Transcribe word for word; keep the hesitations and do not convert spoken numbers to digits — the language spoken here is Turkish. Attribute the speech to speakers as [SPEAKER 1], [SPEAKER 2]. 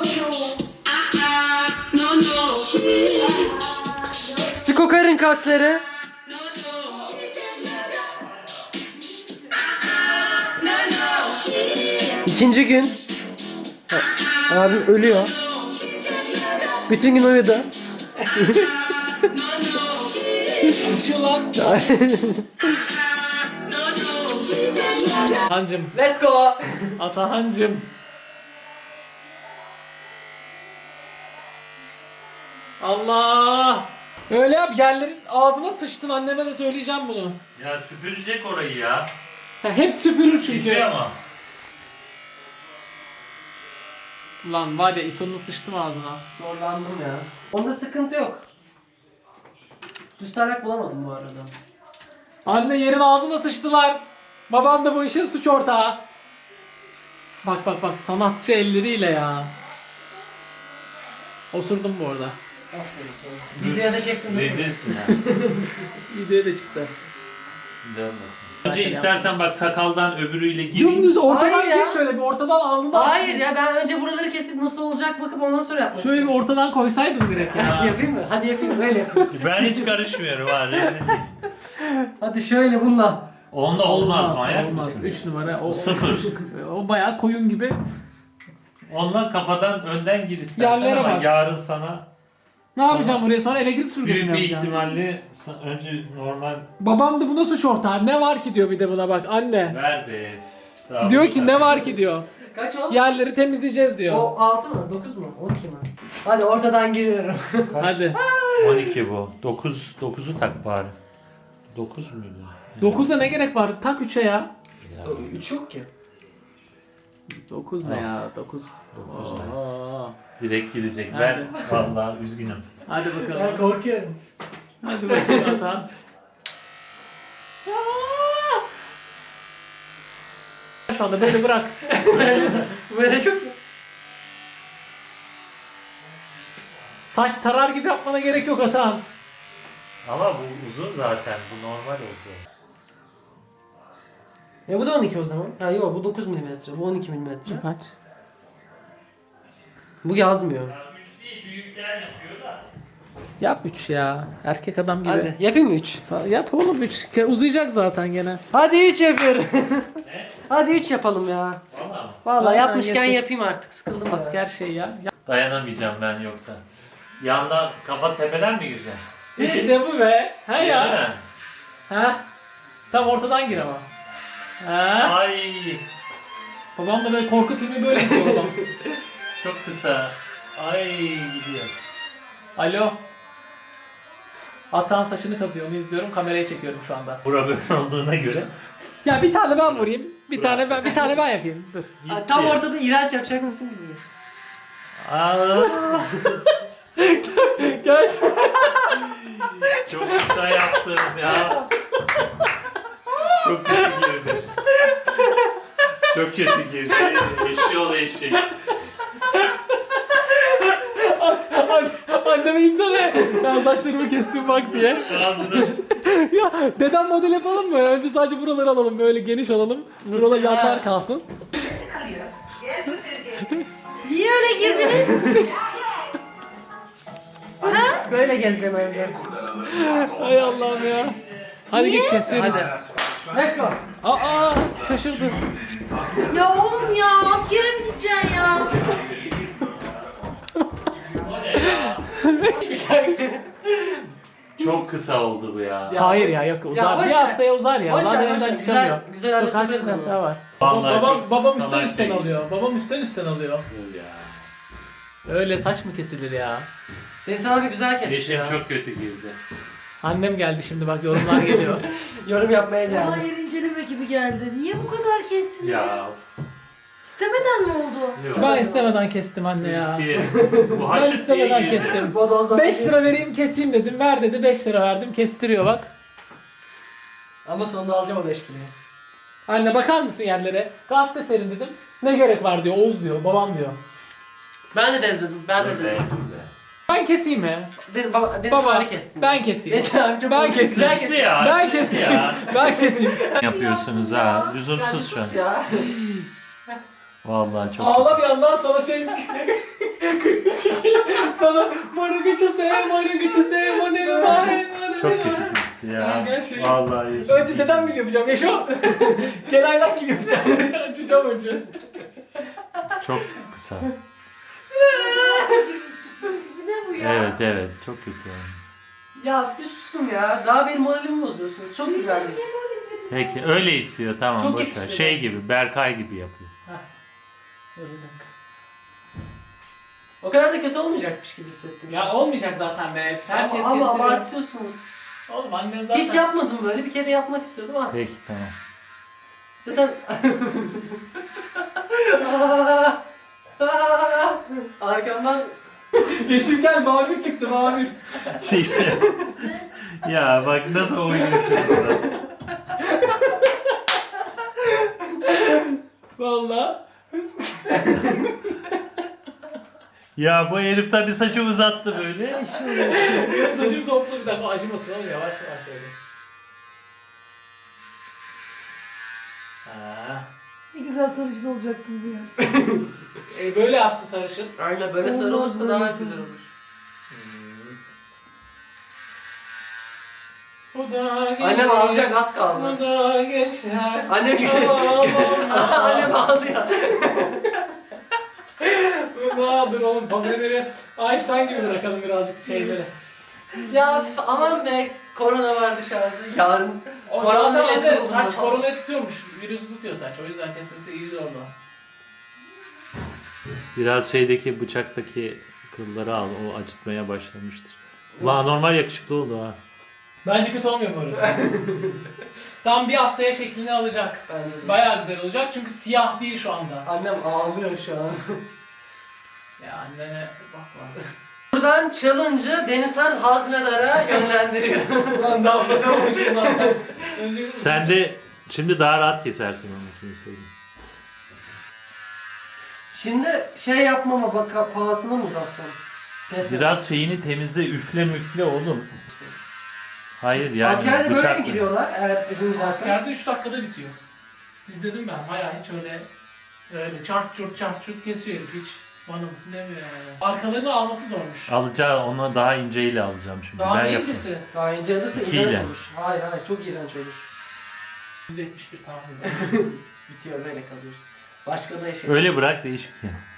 [SPEAKER 1] Skokar'ın kasları. İkinci gün. Abim ölüyor. Bütün gün uyudu.
[SPEAKER 2] Uçuyor lan. Hancım.
[SPEAKER 1] Let's go.
[SPEAKER 2] Atahancım. Allah. Öyle yap, yerlerin ağzına sıçtın, anneme de söyleyeceğim bunu.
[SPEAKER 3] Ya süpürecek orayı ya.
[SPEAKER 2] Ha, hep süpürür
[SPEAKER 3] Bir
[SPEAKER 2] çünkü.
[SPEAKER 3] şey ama.
[SPEAKER 2] Lan var ya, İso'nun sıçtım ağzına.
[SPEAKER 1] Zorlandım ya. Onda sıkıntı yok. Düz tarak bulamadım bu arada.
[SPEAKER 2] Anne, yerin ağzına sıçtılar. Babam da bu işin suç ortağı. Bak bak bak, sanatçı elleriyle ya. Osurdum bu arada.
[SPEAKER 1] Aferin sana. Videoya da çektin değil mi?
[SPEAKER 3] Rezilsin ya.
[SPEAKER 2] Videoya da çıktı.
[SPEAKER 3] Dön bakalım. Önce istersen bak sakaldan öbürüyle gir.
[SPEAKER 2] Dümdüz ortadan
[SPEAKER 1] Hayır ya.
[SPEAKER 2] gir, şöyle bir ortadan alnından.
[SPEAKER 1] Hayır ya, ben önce buraları kesip nasıl olacak bakıp ondan sonra yapmak
[SPEAKER 2] Şöyle bir
[SPEAKER 1] istiyorum.
[SPEAKER 2] ortadan koysaydın direkt ya.
[SPEAKER 1] Yapayım mı? Hadi yapayım, öyle yapayım.
[SPEAKER 3] Ben hiç karışmıyorum ha, rezil.
[SPEAKER 1] Hadi şöyle bununla.
[SPEAKER 3] Onda olmaz, manyak
[SPEAKER 2] olmaz.
[SPEAKER 3] mısın?
[SPEAKER 2] üç numara. O,
[SPEAKER 3] Sıfır.
[SPEAKER 2] o bayağı koyun gibi.
[SPEAKER 3] Onunla kafadan önden gir istersen
[SPEAKER 2] Yerlere
[SPEAKER 3] ama
[SPEAKER 2] bak.
[SPEAKER 3] yarın sana
[SPEAKER 2] Ne yapacağım buraya sonra, elektrik süpürgesi mi
[SPEAKER 3] büyük bir
[SPEAKER 2] yapacağım?
[SPEAKER 3] ihtimalle sa- önce normal
[SPEAKER 2] Babam da buna suç ortağı. Ne var ki diyor bir de buna, bak anne.
[SPEAKER 3] ver be. Daha
[SPEAKER 2] Diyor
[SPEAKER 3] bu
[SPEAKER 2] ki
[SPEAKER 3] kadar.
[SPEAKER 2] ne var ki diyor.
[SPEAKER 1] Kaç o?
[SPEAKER 2] Yerleri temizleyeceğiz diyor.
[SPEAKER 1] O altı mı? dokuz mu? on iki mi? Hadi ortadan giriyorum.
[SPEAKER 2] Hadi.
[SPEAKER 3] on iki bu. dokuz dokuzu tak bari. dokuz muydu?
[SPEAKER 2] dokuza ne gerek var? Tak üçe ya.
[SPEAKER 1] üç yok ki.
[SPEAKER 2] dokuz ne ya? dokuz.
[SPEAKER 3] dokuz ne?
[SPEAKER 2] Oo.
[SPEAKER 3] Direkt girecek.
[SPEAKER 2] Hadi.
[SPEAKER 3] Ben vallahi üzgünüm.
[SPEAKER 2] Hadi
[SPEAKER 1] Ben
[SPEAKER 2] bakalım.
[SPEAKER 1] korkuyorum.
[SPEAKER 2] Hadi bakalım Atan. Şu anda böyle bırak.
[SPEAKER 1] Böyle çok...
[SPEAKER 2] Saç tarar gibi yapmana gerek yok Atan.
[SPEAKER 3] Ama bu uzun zaten. Bu normal oldu.
[SPEAKER 1] Ya bu da on iki o zaman. Ha yok, bu dokuz milimetre, bu on iki milimetre.
[SPEAKER 2] Kaç?
[SPEAKER 1] Bu yazmıyor.
[SPEAKER 3] üç değil, büyükler yapıyor da.
[SPEAKER 2] Yap üç ya. Erkek adam gibi.
[SPEAKER 1] Hadi yapayım mı üç?
[SPEAKER 2] Yap oğlum üç. Uzayacak zaten gene.
[SPEAKER 1] Hadi üç yapıyorum. Hadi üç yapalım ya.
[SPEAKER 3] Valla mı?
[SPEAKER 1] Vallahi
[SPEAKER 2] Aynen,
[SPEAKER 1] yapmışken
[SPEAKER 2] getir.
[SPEAKER 1] yapayım artık, sıkıldım
[SPEAKER 2] Asker
[SPEAKER 1] ya.
[SPEAKER 2] şey ya. Ya-
[SPEAKER 3] Dayanamayacağım ben yoksa. Yandan kafa tepeden mi gireceksin?
[SPEAKER 2] İşte bu be. Ha
[SPEAKER 3] Değil
[SPEAKER 2] ya.
[SPEAKER 3] mi?
[SPEAKER 2] Ha. Tam ortadan gir ama. Ha.
[SPEAKER 3] Ay
[SPEAKER 2] Babam da böyle korku filmi böyle izliyor babam.
[SPEAKER 3] çok kısa. Ay gidiyor.
[SPEAKER 2] Alo. Atan saçını kazıyor, onu izliyorum, kameraya çekiyorum şu anda.
[SPEAKER 3] Bura böyle olduğuna göre.
[SPEAKER 2] Ya bir tane ben vurayım. Bir tane ben bir tane ben yapayım. Dur.
[SPEAKER 3] Gitti.
[SPEAKER 1] Ha, tam ortada iğrenç yapacak mısın gibi.
[SPEAKER 3] Aa,
[SPEAKER 2] Gel şu.
[SPEAKER 3] çok kısa yaptın ya. Çok kötü girdi. Çok kötü girdi. Eşeğoğlu eşek.
[SPEAKER 2] Anneme insene. Ben saçlarımı kestim bak diye.
[SPEAKER 3] Ağzını
[SPEAKER 2] Ya dedem model yapalım mı? Önce sadece buraları alalım, böyle geniş alalım. Buralar
[SPEAKER 1] Mesela-
[SPEAKER 2] yanlar kalsın.
[SPEAKER 4] Niye öyle girdiniz?
[SPEAKER 1] Böyle gezeceğim evde.
[SPEAKER 2] Hay Allah'ım ya. Hadi git kesiyoruz.
[SPEAKER 1] Hadi. Let's go.
[SPEAKER 2] Aa, şaşırdı.
[SPEAKER 4] Ya oğlum ya, askere mi gideceksin ya?
[SPEAKER 1] Hiçbir şey.
[SPEAKER 3] çok kısa oldu bu ya.
[SPEAKER 2] Hayır ya, yok uzar.
[SPEAKER 1] boş
[SPEAKER 2] Bir
[SPEAKER 1] ver.
[SPEAKER 2] haftaya uzar ya.
[SPEAKER 1] Boş ver,
[SPEAKER 2] Zaten
[SPEAKER 1] boş
[SPEAKER 2] evden
[SPEAKER 1] ver.
[SPEAKER 2] çıkamıyor.
[SPEAKER 1] Güzel- güzel
[SPEAKER 2] Sokağa
[SPEAKER 1] anlaşılır
[SPEAKER 2] çıkma
[SPEAKER 1] o zaman.
[SPEAKER 2] yasağı var.
[SPEAKER 3] Vallahi
[SPEAKER 2] babam
[SPEAKER 3] çok
[SPEAKER 2] babam üstten
[SPEAKER 3] salak
[SPEAKER 2] üstten
[SPEAKER 3] değil.
[SPEAKER 2] alıyor. Babam üstten üstten alıyor.
[SPEAKER 3] Dur ya.
[SPEAKER 2] Öyle saç mı kesilir ya?
[SPEAKER 1] Deniz abi güzel kesti
[SPEAKER 3] Yeşim
[SPEAKER 1] ya.
[SPEAKER 3] çok kötü girdi.
[SPEAKER 2] Annem geldi şimdi, bak yorumlar geliyor.
[SPEAKER 1] Yorum yapmaya geldi.
[SPEAKER 4] Hayır, inceleme gibi geldi. Niye bu kadar kestin ya?
[SPEAKER 3] Ya.
[SPEAKER 4] İstemeden mi oldu?
[SPEAKER 3] Yok.
[SPEAKER 2] Ben istemeden kestim anne ya.
[SPEAKER 3] İsteyerek. Bu
[SPEAKER 2] Ben
[SPEAKER 3] haşırt diye
[SPEAKER 2] istemeden
[SPEAKER 3] girdi.
[SPEAKER 2] kestim.
[SPEAKER 1] Bodozdan
[SPEAKER 2] beş lira vereyim keseyim dedim. Ver dedi, beş lira verdim. Kestiriyor bak.
[SPEAKER 1] Ama sonunda alacağım o beş lirayı.
[SPEAKER 2] Anne bakar mısın yerlere? Gazete serin dedim. Ne gerek var diyor. Oğuz diyor. Babam diyor.
[SPEAKER 1] Ben de dedim, ben de
[SPEAKER 3] Öyle,
[SPEAKER 1] dedim.
[SPEAKER 3] öyle.
[SPEAKER 2] Ben keseyim mi?
[SPEAKER 1] Deniz, baba, Deniz
[SPEAKER 2] Baba
[SPEAKER 1] abi kessin.
[SPEAKER 2] ben keseyim.
[SPEAKER 1] Deniz abi çok
[SPEAKER 2] Ben
[SPEAKER 1] güzel
[SPEAKER 2] keseyim.
[SPEAKER 1] kesti.
[SPEAKER 3] İşte ya.
[SPEAKER 2] Ben
[SPEAKER 3] işte
[SPEAKER 2] keseyim.
[SPEAKER 3] ya.
[SPEAKER 2] Ben keseyim.
[SPEAKER 3] Yapıyorsunuz ha. Lüzumsuz şu an.
[SPEAKER 1] Ya.
[SPEAKER 3] Vallahi çok.
[SPEAKER 2] Ağla bir yandan sana şey... Sana marıgıcı sev, marıgıcı sev, o ne var?
[SPEAKER 3] Çok kötü kesti ya.
[SPEAKER 2] Ha, gel şöyle.
[SPEAKER 3] Vallahi.
[SPEAKER 2] Önce dedem gibi yapacağım. Yaşa. Kelaynak gibi yapacağım. Açacağım önce.
[SPEAKER 3] Çok kısa.
[SPEAKER 4] Ne bu ya?
[SPEAKER 3] Evet evet çok kötü yani.
[SPEAKER 1] Ya bir susun ya. Daha benim moralimi bozuyorsunuz. Çok güzeldi.
[SPEAKER 3] Peki öyle istiyor tamam
[SPEAKER 1] Çok
[SPEAKER 3] boş ver.
[SPEAKER 1] yakıştı
[SPEAKER 3] Şey
[SPEAKER 1] ya.
[SPEAKER 3] gibi Berkay gibi yapıyor.
[SPEAKER 2] Dur bir dakika.
[SPEAKER 1] O kadar da kötü olmayacakmış gibi hissettim.
[SPEAKER 2] Ya olmayacak zaten be. Herkes
[SPEAKER 1] ama, ama
[SPEAKER 2] kestiriyor.
[SPEAKER 1] abartıyorsunuz.
[SPEAKER 2] Oğlum annen zaten...
[SPEAKER 1] Hiç yapmadım böyle. Bir kere yapmak istiyordum ama.
[SPEAKER 3] Peki tamam.
[SPEAKER 1] Zaten... Arkamdan...
[SPEAKER 2] Yeşil gel mavi çıktı mavi.
[SPEAKER 3] Şeyse. Ya bak nasıl oynuyor şurada.
[SPEAKER 2] Valla.
[SPEAKER 3] Ya bu herif tabi saçı uzattı böyle.
[SPEAKER 2] Benim saçım toplu bir dakika acımasın oğlum yavaş yavaş öyle. Ha.
[SPEAKER 4] Ne güzel sarışın olacaktım bu ya.
[SPEAKER 2] E, böyle yapsın sarışın.
[SPEAKER 1] Aynen böyle sarı
[SPEAKER 4] Olmaz
[SPEAKER 1] olursa daha
[SPEAKER 4] böyle
[SPEAKER 1] güzel
[SPEAKER 4] sarı.
[SPEAKER 1] olur.
[SPEAKER 2] Bu da gelir.
[SPEAKER 1] Annem ağlayacak az
[SPEAKER 2] Bu
[SPEAKER 1] kaldı.
[SPEAKER 2] da geçer.
[SPEAKER 1] Annem Annem ağlıyor.
[SPEAKER 2] Bu da dur oğlum favorileri Einstein gibi bırakalım birazcık şeyleri.
[SPEAKER 1] Ya f- aman be korona var dışarıda. Yarın
[SPEAKER 2] O
[SPEAKER 1] Korona
[SPEAKER 2] zaten
[SPEAKER 1] ilacı
[SPEAKER 2] anne
[SPEAKER 1] bulundu
[SPEAKER 2] saç
[SPEAKER 1] falan.
[SPEAKER 2] koronayı tutuyormuş. Virüsü tutuyor saç. O yüzden kesilmesi iyi oldu.
[SPEAKER 3] Biraz şeydeki bıçaktaki kılları al o acıtmaya başlamıştır. La normal yakışıklı oldu ha.
[SPEAKER 2] Bence kötü olmuyor bu arada. Tam bir haftaya şeklini alacak.
[SPEAKER 1] bence de.
[SPEAKER 2] Bayağı güzel olacak çünkü siyah değil şu anda.
[SPEAKER 1] Annem ağlıyor şu an.
[SPEAKER 2] Ya annene bakma.
[SPEAKER 1] Buradan challenge'ı Denizhan Haznedar'a yönlendiriyor.
[SPEAKER 2] Lan daha uzatamamışım zaten. Önce
[SPEAKER 3] Sen de şimdi daha rahat kesersin onunkini söyleyeyim.
[SPEAKER 1] Şimdi şey yapmama bak pahasına mı uzatsam? Kesme.
[SPEAKER 3] Biraz şeyini temizle üfle müfle oğlum. Hayır yani
[SPEAKER 1] Askerde böyle mi
[SPEAKER 3] bıçakla.
[SPEAKER 1] giriyorlar eğer uzun giderse?
[SPEAKER 2] askerde üç dakikada bitiyor. İzledim ben. Bayağı hiç öyle öyle çart çurt çart çurt kesiyor herif hiç. Bana mısın demiyor yani. Arkalarını alması zormuş.
[SPEAKER 3] Alacağı onu daha inceyle alacağım şimdi.
[SPEAKER 2] Daha
[SPEAKER 3] ben
[SPEAKER 2] ne
[SPEAKER 3] yapayım.
[SPEAKER 2] incesi?
[SPEAKER 1] Daha ince alırsa
[SPEAKER 3] İkiyle.
[SPEAKER 1] iğrenç olur. Hayır hayır çok iğrenç olur.
[SPEAKER 2] yüzde yetmiş bir tamam.
[SPEAKER 1] Bitiyor böyle kalıyoruz. Başka da şey.
[SPEAKER 3] Öyle bırak değişik ya.